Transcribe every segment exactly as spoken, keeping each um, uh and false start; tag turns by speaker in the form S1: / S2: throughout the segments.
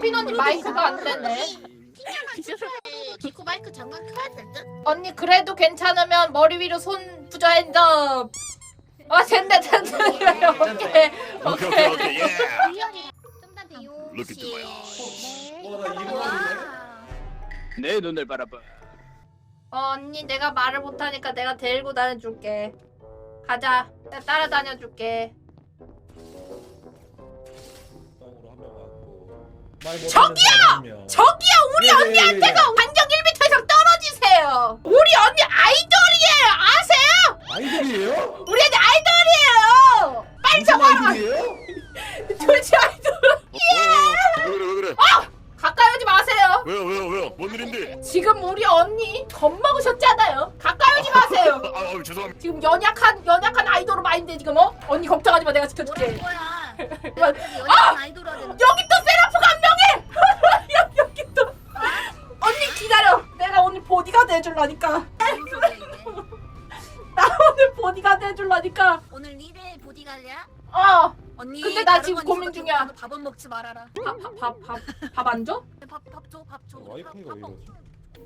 S1: 오핀 언니 마이크가 안 되네.
S2: 기코 마이크 잠깐 켜야 될 듯?
S1: 언니 그래도 괜찮으면 머리 위로 손 부저 핸드업. 아 된다 된다. 오케이
S3: 오케이
S1: 오케이.
S3: 오케이 오케이 예.
S2: 좀더 배우.
S3: Look at the
S4: 내 눈을 바라봐.
S1: 어, 언니 내가 말을 못하니까 내가 데리고 다녀줄게. 가자. 내가 따라다녀줄게. 저기요! 저기요! 우리 언니한테가 반경 일 미터 이상 떨어지세요. 우리 언니 아이돌이에요. 아세요?
S5: 아이돌이에요?
S1: 우리 언니 아이돌이에요. 빨리 좀 하라. 도대체 아이돌.
S3: 왜 그래 왜 그래
S1: 가까이 오지 마세요.
S3: 왜요 왜요 왜요 뭔 일인데?
S1: 지금 우리 언니 겁먹으셨잖아요. 가까이 오지 마세요.
S3: 아 어, 죄송합니다.
S1: 지금 연약한 연약한 아이돌로 마인드 지금 어? 언니 걱정하지 마. 내가 지켜줄게.
S2: 뭐라는 거야?
S1: 아!
S2: 연예인 아이돌 하는.
S1: 여기 또 세라프가 한 명이! 여기, 여기 또 언니 기다려. 내가 오늘 보디가드 해줄라니까.
S2: 무슨 소리야 이게?
S1: 나 오늘 보디가드 해줄라니까.
S2: 오늘 니네 보디가드야?
S1: 어.
S2: 언니.
S1: 근데 나
S2: 다른
S1: 지금
S2: 언니
S1: 고민
S2: 같은
S1: 중이야.
S2: 거 밥은 먹지 말아라.
S1: 밥밥밥밥 안 줘?
S2: 밥밥 줘, 밥 줘.
S5: 와이파이가 왜
S2: 밥
S5: 이러지?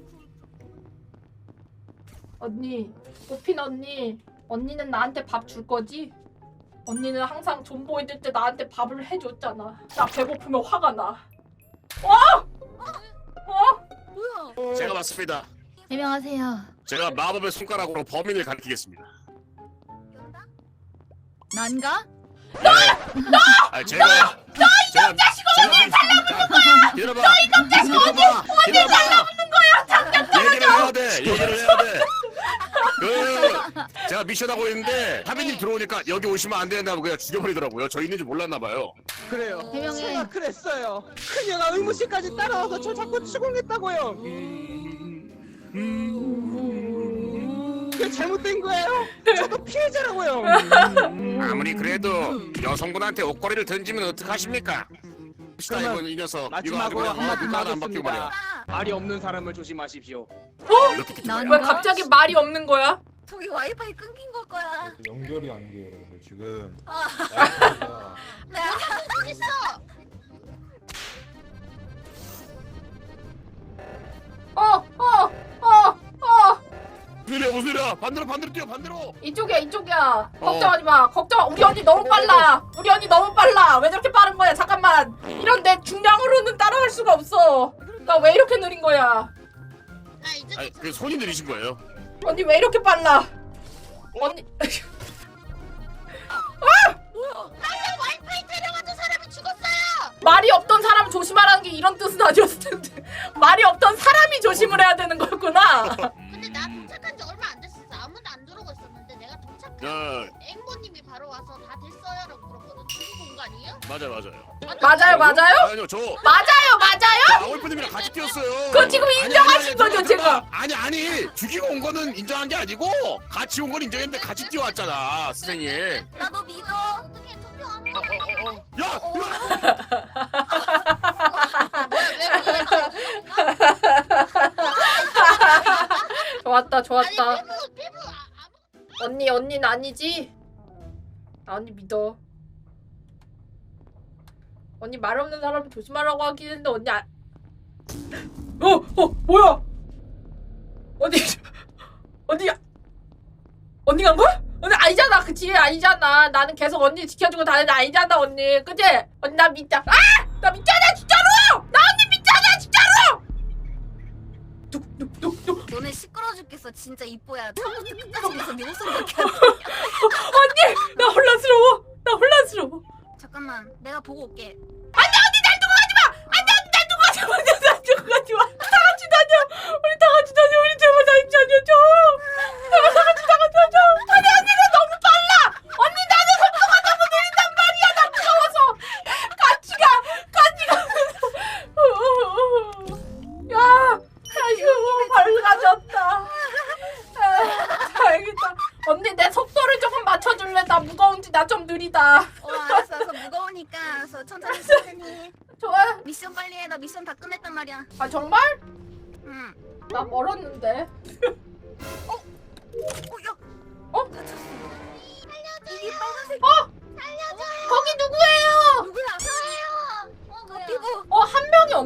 S1: 언니, 오핀 언니. 언니는 나한테 밥 줄 거지? 언니는 항상 존보 있을 때 나한테 밥을 해줬잖아. 나 배고프면 화가 나. 와! 어?
S2: 뭐야?
S3: 제가 맞습니다.
S6: 해명하세요.
S3: 제가 마법의 손가락으로 범인을 가리키겠습니다.
S2: 연다?
S6: 난가?
S3: 아 제가 너 이놈 자식 어디 달라붙는 거야? 기다려봐. 너 이놈 자식 어디 어디 달라붙는 거야? 잠깐 떨어져. 얘기를 해야 돼. 얘기를 해야 돼. 그 제가 미션 하고 있는데 하빈님 들어오니까 여기 오시면 안 된다고 그냥 죽여버리더라고요. 저 있는지 몰랐나 봐요.
S4: 그래요.
S6: 해명해.
S4: 제가 그랬어요. 그녀가 의무실까지 따라와서 저 자꾸 추궁했다고요. 그게 잘못된 거예요. 저도 피해자라고요.
S3: 아무리 그래도 여성분한테 옷걸이를 던지면 어떡하십니까? 시다 이건 이 녀석 이거 아주
S4: 마지막으로
S3: 그냥
S4: 한마디
S3: 눈 하나 안 바뀌고 말이야.
S4: 하겠습니다. 말이 없는 사람을 조심하십시오.
S3: 이렇게 끼지
S6: 난-
S3: 마요.
S1: 왜 갑자기 말이 없는 거야?
S2: 저기 와이파이 끊긴 걸 거야.
S5: 연결이 안 돼요, 여러분들 지금.
S2: 아.
S5: 와이파이가
S2: 내가 끊겼어.
S1: 어, 어, 어, 어.
S3: 무슨 일이야 무슨 일이야 반대로 반대로 뛰어 반대로.
S1: 이쪽이야, 이쪽이야. 걱정하지 마. 걱정. 우리 언니 너무 빨라. 우리 언니 너무 빨라. 왜 저렇게 빠른 거야? 잠깐만. 이런 내 중량으로는 따라갈 수가 없어. 나 왜 이렇게 느린 거야?
S2: 나 이제
S3: 아니 그 손이 느리신 거예요.
S1: 언니 왜 이렇게 빨라? 언니.
S2: 나의 와이파이 데려가던 사람이 죽었어요.
S1: 말이 없던 사람 조심하라는 게 이런 뜻은 아니었을 텐데. 말이 없던 사람이 조심을 해야 되는 거였구나.
S2: 근데 나 도착한 지 얼마 안 됐었어. 아무도 안 들어오고 있었는데 내가 도착한
S3: 야
S2: 앵보님이 바로 와서 다 됐어요라고 물었거든. 죽은 공간이에요?
S3: 맞아 맞아요.
S1: 맞아요, 맞아요?
S3: 아니요 저
S1: 맞아요, 맞아요?
S3: 아울프님이랑 같이 뛰었어요.
S1: 그거 지금 인정하신 거죠, 제가?
S3: 아니 아니 죽이고 온 거는 인정한 게 아니고 같이 온 건 인정했는데 같이 뛰어왔잖아 선생님.
S2: 나도 믿어. 어떻게 투표하면?
S3: 어, 어, 어. 야!
S2: 뭐야 왜 그래?
S1: 좋았다,
S2: 아니
S1: 좋았다.
S2: 피부 피부 아, 아무.
S1: 언니, 언니는 아니지? 나 언니 믿어. 언니 말 없는 사람 조심하라고 하긴 했는데 언니 아... 어! 어! 뭐야! 언니... 언니... 언니 간 거야? 언니 아니잖아. 그 뒤에 아니잖아. 나는 계속 언니 지켜주고 다니는 아니잖아 언니. 그치? 언니 나 믿자. 아! 나 믿잖아 진짜로! 나 언니 믿잖아 진짜로! 뚝뚝뚝뚝.
S2: 너네 시끄러 죽겠어. 진짜 이뻐야. 처음부터 끝까지 계속 네 목소리밖에 안 들려.
S1: 언니! 나 혼란스러워. 나 혼란스러워.
S2: 잠깐만, 내가 보고 올게.
S1: 안돼 언니 날 두고 가지 마. 안돼 언니 날 두고 가지 마. 언니 날 두고 가지 마. 다 같이 다녀. 우리 다 같이 다녀. 우리 제발 다 같이 다녀줘. 제발 다 같이 다 같이 다녀. 아니 언니는 너무 빨라. 언니 나는 속도가 너무 느린단 말이야. 나 무서워서. 같이 가. 같이 가. 야, 아이고 밝아졌다. 아, 다행이다. 언니 내 속도를 조금 맞춰줄래? 나 무거운지 나 좀 느리다.
S2: 어, 알았어, 알았어. 무거우니까 알았어. 천천히 천천히.
S1: 좋아.
S2: 미션 빨리 해. 나 미션 다 끝냈단 말이야.
S1: 아 정말?
S2: 응.
S1: 나 멀었는데.
S2: 어, 야.
S1: 어?
S2: 살려줘. 이게 빨간색.
S1: 어?
S2: 살려줘.
S1: 거기 누구예요?
S2: 누구야? 저예요. 어, 뭐 피부.
S1: 어, 한 명이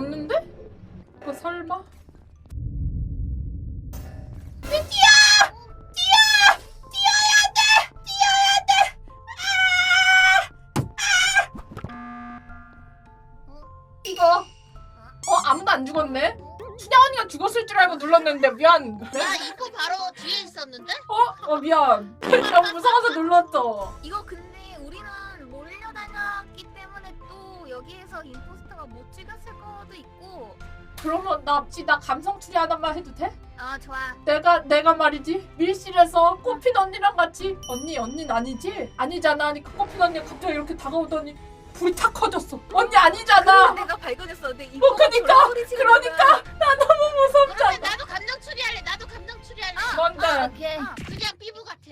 S1: 찍어. 어 아무도 안 죽었네. 춘향 언니가 죽었을 줄 알고 눌렀는데 미안.
S2: 나 이거 바로 뒤에 있었는데?
S1: 어? 어 미안. 너무 무서워서 눌렀어.
S6: 이거 근데 우리는 몰려다녔기 때문에 또 여기에서 임포스터가 못 찍었을 거도 있고.
S1: 그러면 나 혹시 나 감성 추리 하나만 해도 돼?
S6: 아 좋아.
S1: 내가 내가 말이지 밀실에서 꽃핀 언니랑 같이 언니 언니는 아니지? 아니잖아 하니까 꽃핀 언니가 갑자기 이렇게 다가오더니 불이 탁 커졌어. 언니 아니잖아.
S6: 내가 발견했어. 근데
S1: 어 그니까 그러니까 나 너무
S2: 그러면
S1: 무섭잖아.
S2: 나도 감정 추리할래. 나도 감정 추리할래.
S1: 뭔데?
S6: 아, 오케이.
S2: 그냥 피부 같아.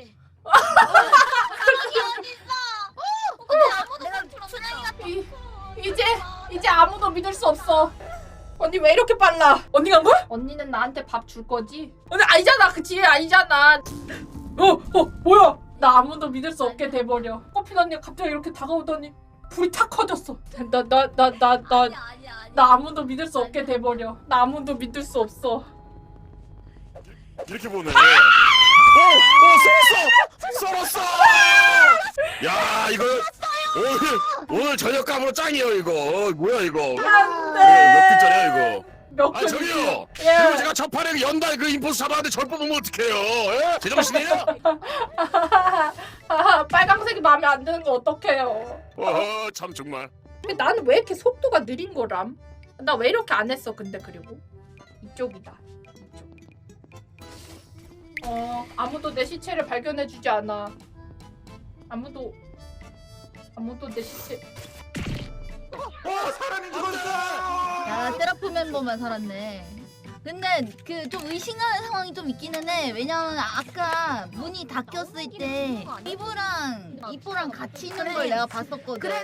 S6: 여기 어디 있어? 근데 아무도 내가 춘향이가
S1: 이, 이제 이제 아무도 믿을 수 없어. 언니 왜 이렇게 빨라? 언니 간 거야? 언니는 나한테 밥 줄 거지? 언니 아니잖아. 그치 아니잖아. 어, 어 뭐야? 나 아무도 믿을 수 없게 돼버려. 꽃핀 언니가 갑자기 이렇게 다가오더니 불이 탁 커졌어. 나 나 나 나 나
S6: 아니야 아니야 아니야.
S1: 나 아무도 믿을 수 없게 돼버려. 나 아무도 믿을 수 없어.
S3: 이렇게 보네. 오, 오, 썰었어, 썰었어. 야, 이거 오늘 오늘 저녁감으로 짱이에요 이거. 어, 뭐야 이거?
S1: 안돼.
S3: 몇 분짜리야 이거?
S1: 몇
S3: 아
S1: 분?
S3: 저기요.
S1: 예.
S3: 그리고 제가 첫 판에 연달 그 인포스 잡았는데 절 뽑으면 어떡해요? 예? 제정신이에요?
S1: 아하, 빨강색이 마음에 안 드는 거 어떡해요?
S3: 어허, 참 정말.
S1: 근데 나는 왜 이렇게 속도가 느린 거람? 나 왜 이렇게 안 했어 근데 그리고 이쪽이다. 이쪽. 어 아무도 내 시체를 발견해주지 않아. 아무도 아무도 내 시체.
S5: 어 사람이 죽었어.
S6: 야 세라프 멤버만 살았네. 근데 그 좀 의심하는 상황이 좀 있기는 해. 왜냐면 아까 문이 닫혔을 때 이브랑 이뽀랑 같이 있는 걸 내가 봤었거든. 그래.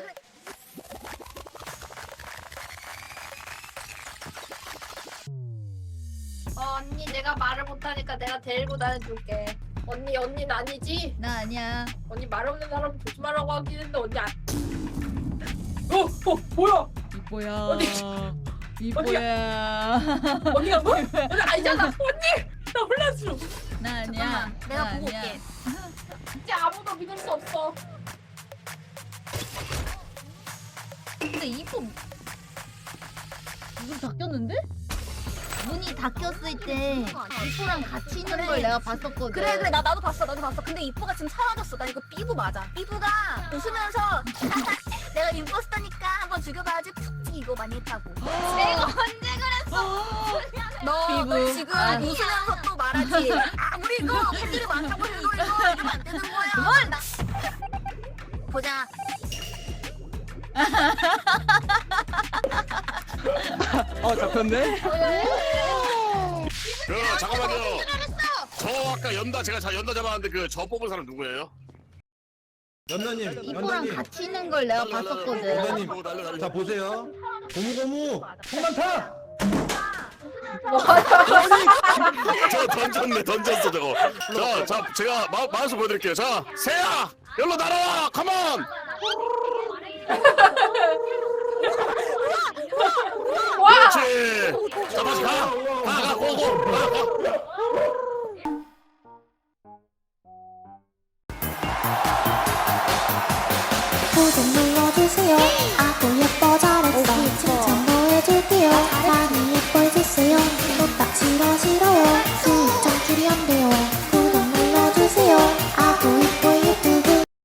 S1: 어, 언니 내가 말을 못하니까 내가 데리고 다녀줄게. 언니 언니는 아니지?
S6: 나 아니야.
S1: 언니 말 없는 사람 조심하라고 하긴 했는데 언니 안. 어, 어 뭐야?
S6: 이뽀야.
S1: 어디?
S6: 이뽀야.
S1: 언니 간 거야? 언니 아니잖아. 언니 나 혼란스러워.
S6: 나 아니야.
S2: 내가
S6: 나
S2: 보고
S6: 아니야.
S2: 올게.
S1: 이제 아무도 믿을 수 없어.
S6: 근데 이뽀 문 닫혔는데? 문이 닫혔을 때 이뽀랑 같이 있는 걸 내가 봤었거든.
S7: 그래 그래 나 나도 봤어 나도 봤어. 근데 이뽀가 지금 사라졌어. 나 이거 삐부 맞아. 삐부가 웃으면서 내가 임포스터니까 한번 죽여봐야지 푹 이거 많이 했다고.
S6: 내가 언제 그랬어?
S7: 너, 너
S6: 삐부.
S7: 지금
S6: 아.
S7: 웃으면서 또 말하지. 아 우리 이거 팬들이 많다고 이거 이거 이러면 안 되는 거야. 나... 보자.
S4: 어 잡혔네.
S3: 그 잠깐만요.
S2: 알았어.
S3: 저 아까 연다 제가 자 연다 잡았는데 그 저 뽑은 사람 누구예요?
S5: 연나님,
S6: 이뽀랑
S5: 연나님,
S6: 같이 있는 걸 내가 봤었거든.
S5: 연나님.
S3: 날려, 날려.
S5: 자 보세요. 고무고무 성난타.
S3: 저 던졌네 던졌어 저거. 자, 자 제가 마, 마우스 보여드릴게요. 자, 세야, 열로 날아와, 컴온.